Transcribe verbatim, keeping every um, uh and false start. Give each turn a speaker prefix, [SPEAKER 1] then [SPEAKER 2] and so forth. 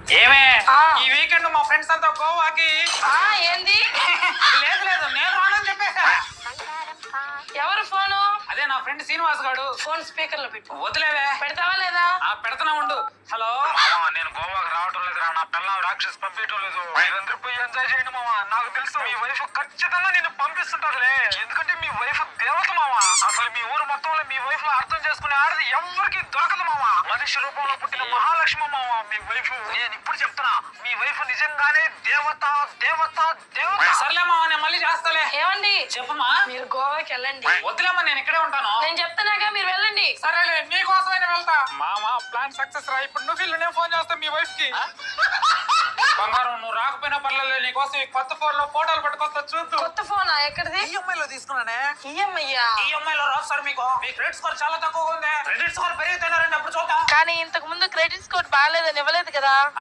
[SPEAKER 1] ఏమే
[SPEAKER 2] ఆ.
[SPEAKER 1] ఈ వీకెండ్ మా ఫ్రెండ్స్ అంతా గోవాకి.
[SPEAKER 2] ఆ ఏంది?
[SPEAKER 1] లేదు లేదు నేను రానని చెప్పేసా.
[SPEAKER 2] ఎవరు ఫోను?
[SPEAKER 1] అదే నా ఫ్రెండ్ శ్రీనివాస్ గాడు.
[SPEAKER 2] ఫోన్ స్పీకర్ లో పెట్టు.
[SPEAKER 1] వదిలేవే.
[SPEAKER 2] పెడతావా లేదా?
[SPEAKER 1] ఆ పెడతనా ఉండు. హలో
[SPEAKER 3] మామ నేను గోవాకి రావటం లేదురా, నా పిల్లలు రాక్షస్ పంపించడం లేదు. మీరందరూ పోయి ఎంజాయ్ చేయండి మామ. నాకు తెలుసు మీ వైఫ్ ఖచ్చితంగా నేను పంపిస్తుంటదిలే, ఎందుకంటే మీ వైఫ్ దేవత మామ. అసలు మీ ఊరు మొత్తంలో మీ వైఫ్ లో అర్థం చేసుకునే ఆడది ఎవరికి దొరకదు మామ. మనిషి రూపంలో పుట్టిన మహాలక్ష్మి మామ మీ వైఫ్. నేను ఇప్పుడు చెప్తున్నా, మీ వైఫ్ నిజంగానే దేవత దేవత దేవత.
[SPEAKER 1] సర్లేమా నేను మళ్ళీ చేస్తాలే.
[SPEAKER 2] ఏమండి?
[SPEAKER 1] చెప్పమ్మా.
[SPEAKER 2] మీరు గోవాకి వెళ్ళండి.
[SPEAKER 1] వదిలేమ్మా నేను ఇక్కడే ఉంటాను.
[SPEAKER 2] నేను చెప్తున్నాగా, మీరు వెళ్ళండి.
[SPEAKER 1] సరేలే నీకోసమైనా వెళ్తా. మామా ప్లాన్ సక్సెస్ రా. ఇప్పుడు నువ్వు ఇల్లు నేను ఫోన్ చేస్తా మీ వైఫ్ కి. బంగారం నువ్వు రాకపోయినా పర్లేదు, నీకోసం ఈ కొత్త ఫోన్ లో ఫోటోలు పట్టుకొస్తా చూద్దు.
[SPEAKER 2] కొత్త ఫోనా? ఎక్కడిది?
[SPEAKER 1] ఈఎంఐ లో తీసుకున్నానే.
[SPEAKER 2] ఈఎంఐయా?
[SPEAKER 1] ఈఎంఐ లో రాదు సార్ మీకు. మీ క్రెడిట్ స్కోర్ చాలా తక్కువగా ఉంది. క్రెడిట్ స్కోర్ పెరిగితేనే రండి అప్పుడు చూద్దాం.
[SPEAKER 2] కానీ ఇంతకు ముందు క్రెడిట్ స్కోర్ బాగాలేదని ఇవ్వలేదు కదా.